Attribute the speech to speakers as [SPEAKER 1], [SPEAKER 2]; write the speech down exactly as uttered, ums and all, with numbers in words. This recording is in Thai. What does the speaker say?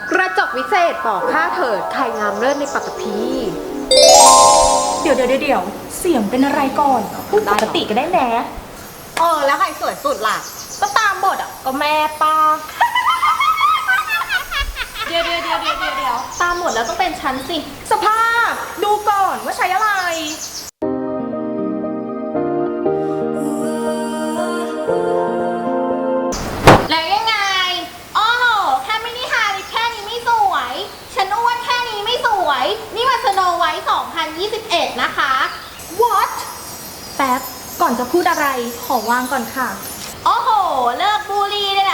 [SPEAKER 1] กระจกวิเศษบอกข้าเถิดใครงามเลิศในปัตตภี
[SPEAKER 2] เดี๋ยวเดี๋ยวเดี๋ยวเสียงเป็นอะไรก่อนพูดปกติก็ได้แน่
[SPEAKER 1] เออแล้วใครสวยสุดล่ะ
[SPEAKER 2] ก็ตามบทอ่ะก็แม่ป้าเดี๋ยวเดี๋ยวเดี๋ยวเดี๋ยวเดี๋ยวตามหมดแล้วต้องเป็นฉันสิสภาพดูก่อนว่าใช้อะไร
[SPEAKER 3] แล้วยังไงอ้อแค่ไม่ได้ทาลิปแค่นี้ไม่สวยฉันอ้วนแค่นี้ไม่สวยนี่มันสโนไวท์สองพันยี่สิบเอ็ดนะคะ
[SPEAKER 2] what แป๊บก่อนจะพูดอะไรขอวางก่อนค่ะ
[SPEAKER 3] โอ้โหเลิกบูลลี่ได้